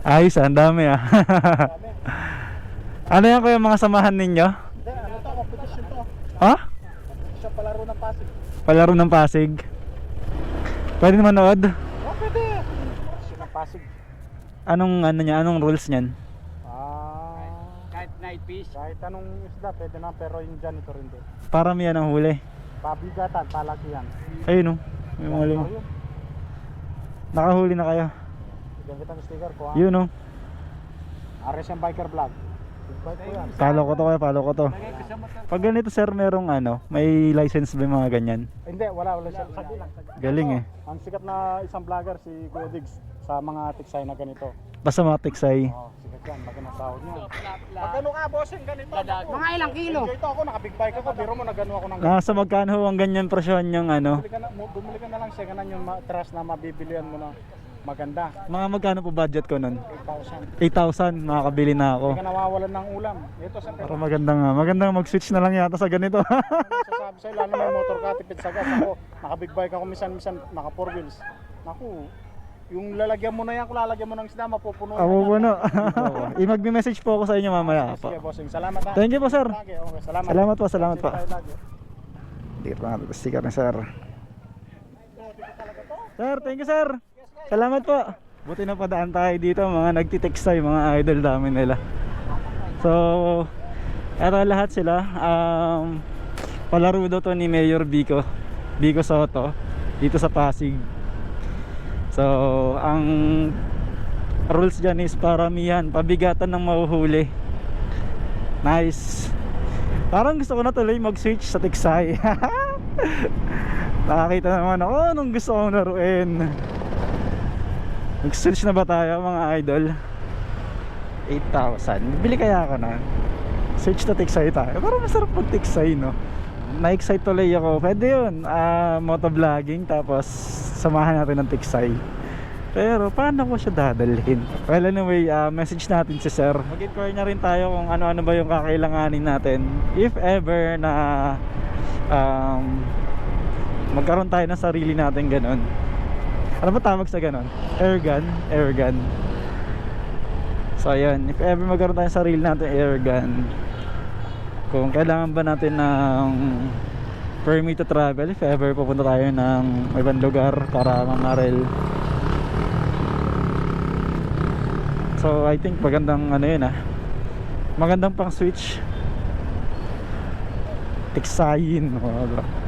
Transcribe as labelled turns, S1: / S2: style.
S1: Ayos, ang dami ah.
S2: Dami.
S1: Ano yan kuya mga samahan ninyo?
S2: Hindi, ano to, competition to.
S1: Ha?
S2: Competition palaro ng Pasig.
S1: Palaro ng Pasig. Pwede manood?
S2: Oh, pwede. Competition ng Pasig.
S1: Anong ano niya, anong rules niyan?
S2: Kahit night fish. Kahit anong isda, pwede na, pero yung janitor hindi.
S1: Para may ang huli.
S2: Pabigatan, palakihan.
S1: Ayun oh. May mga lima.
S2: Yun.
S1: Nakahuli na kayo.
S2: Bigyan kitang sticker ko ha.
S1: Yun oh.
S2: RSM Biker Vlog. Big bike ko yan.
S1: Follow ko to kaya, follow ko to. Pag ganito sir, merong ano, may license ba yung mga ganyan?
S2: Hindi, wala siya. Sagli lang.
S1: Galing eh.
S2: Ang sikat na isang vlogger si Kuya Diggs sa mga tiksay na ganito.
S1: Basta mga tiksay.
S2: Oh, sikat yan, magandang sahod niya. Magkano ka, bossing, ganito?
S3: Mga ilang kilo?
S2: Ito ako, naka-big bike ako, biro mo, nagano ako ng
S1: Nasa magkano ho ang ganyan presyon yung ano?
S2: bumili ka na lang siya, ganan yung trust na mabibilian mo na maganda.
S1: Mga magkano po budget ko nun?
S2: 8,000.
S1: 8,000, makakabili na ako.
S2: Hindi ka nawawalan ng ulam. Ito sa
S1: Para magandang mag-switch na lang yata sa ganito.
S2: sasabi sa'yo, lalo may motor ka, tipid sa gas. Ako, naka-big bike ako, minsan naka 4 wheels. Naku, yung lalagyan mo na yan, kung lalagyan mo ng isda, mapupuno.
S1: Ako po no. I-mag-message po ako sa inyo mamaya.
S2: Sige, bossing. Salamat ha.
S1: Thank you po sir.
S2: Lagi, okay, salamat.
S1: Salamat po, salamat po.
S2: Tayo lagi.
S1: Dito pa natin sticker ni sir. Sir, thank you sir. Salamat po. Buti na padaan tayo dito, mga nagtiteksay, mga idol namin nila. So, eto lahat sila. Palaro daw to ni Mayor Vico Soto dito sa Pasig. So, ang rules dyan is paramihan, pabigatan ng mahuhuli. Nice. Parang gusto ko na tuloy mag-switch sa tiksay. Nakakita naman ako nung gusto kong laruin. Mag-switch na ba tayo mga idol? 8,000. Bili kaya ako na. Switch na tiksay tayo. Parang masarap mag tiksay no. Na-excite tuloy ako. Pwede yun, motovlogging. Tapos samahan natin ng tiksay. Pero paano ko siya dadalhin? Well anyway, message natin si sir. Mag-inquire na rin tayo kung ano-ano ba yung kakailanganin natin. If ever na magkaroon tayo ng sarili natin ganon. Ano ba tawag sa ganon? Airgun. So ayan, if ever magkaroon tayo ng sarili natin airgun, kung kailangan ba natin ng permit to travel, if ever pupunta tayo ng ibang lugar para mangarel. So I think magandang ano yun magandang pang switch tiksayin.